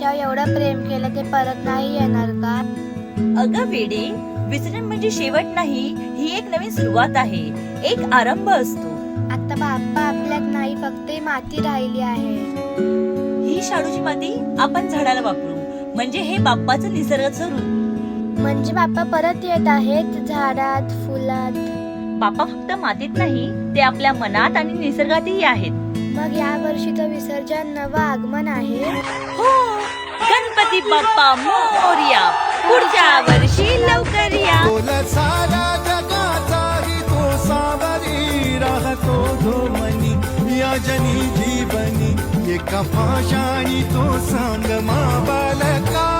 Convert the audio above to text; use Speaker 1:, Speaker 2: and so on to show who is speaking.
Speaker 1: आपल्यावर एवढं प्रेम केलं ते परत नाही येणार का?
Speaker 2: अगं वेडे, विसरण म्हणजे शेवट नाही, ही एक नवीन सुरुवात आहे, एक आरंभ असतो.
Speaker 1: आता बाप्पा आपल्यात नाही, फक्त ही माती राहिली आहे.
Speaker 2: ही शाडूची माती आपण झाडाला वापरू, म्हणजे हे बाप्पाचं निसर्गाचं रूप.
Speaker 1: म्हणजे बाप्पा परत येत आहेत झाडात, फुलात.
Speaker 2: बाप्पा फक्त मातीत नाही, ते आपल्या मनात आणि निसर्गातही आहेत.
Speaker 1: मग या वर्षीचं विसर्जन नवं आगमन आहे.
Speaker 2: हो, गणपती बाप्पा मोरया, पुढच्या वर्षी लवकर या.
Speaker 3: बोला सारा जगाचाही तो सावरी राहतो धोमनी या जनी जीवनी एका पाशाणी तो सांग मा बालका.